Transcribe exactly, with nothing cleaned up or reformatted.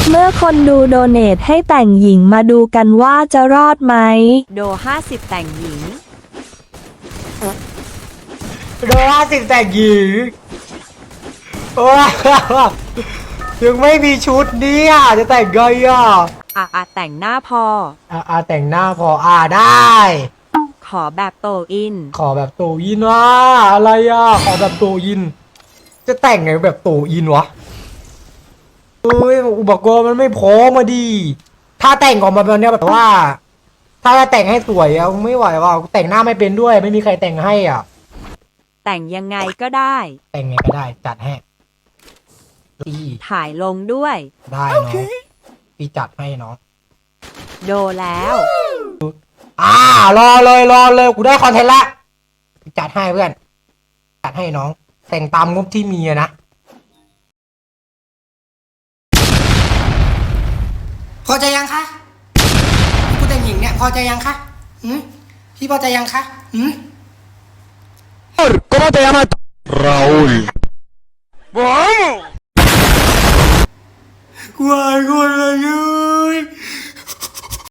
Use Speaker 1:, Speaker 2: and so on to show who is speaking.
Speaker 1: เมื่อคนดูโดเนทให้แต่งหญิงมาดูกันว่าจะรอดไหม
Speaker 2: โดห้าสิบแต่งหญิง
Speaker 3: โดห้าสิบแต่งหญิงโอ้ยยังไม่มีชุดนี้อ่ะจะแต่งไงอ่ะ
Speaker 2: อ่ะอ่ะแต่งหน้าพอ
Speaker 3: อ่ะอ่ะแต่งหน้าพออ่ะได้
Speaker 2: ขอแบบโตอิน
Speaker 3: ขอแบบโตยินว่าอะไรอ่ะขอแบบโตยินจะแต่งไงแบบโตยินวะเอ้ยอุปกรณ์มันไม่พอมาดีถ้าแต่งออกมาแบบนี้แบบว่า ถ้าจะแต่งให้สวยอ่ะไม่ไหวว่ะแต่งหน้าไม่เป็นด้วยไม่มีใครแต่งให้อ่ะ
Speaker 2: แต่งยังไงก็ได้
Speaker 3: แต่งไงก็ได้จัดให้พี่
Speaker 2: ถ่ายลงด้วย
Speaker 3: ได้เนาะพี่จัดให้เนาะ
Speaker 2: โดแล้ว
Speaker 3: อ่ารอเลยรอเลยกูได้คอนเทนต์ละจัดให้เพื่อนจัดให้น้องแต่งตามงบที่มีอะนะพอใจยังคะกูแต่งหญิงเนี่ยพอใจยังคะหืมพี่พอใจยังคะหืม¿Cómo te llamas? Raúl. ¡Vamos! กูอายคน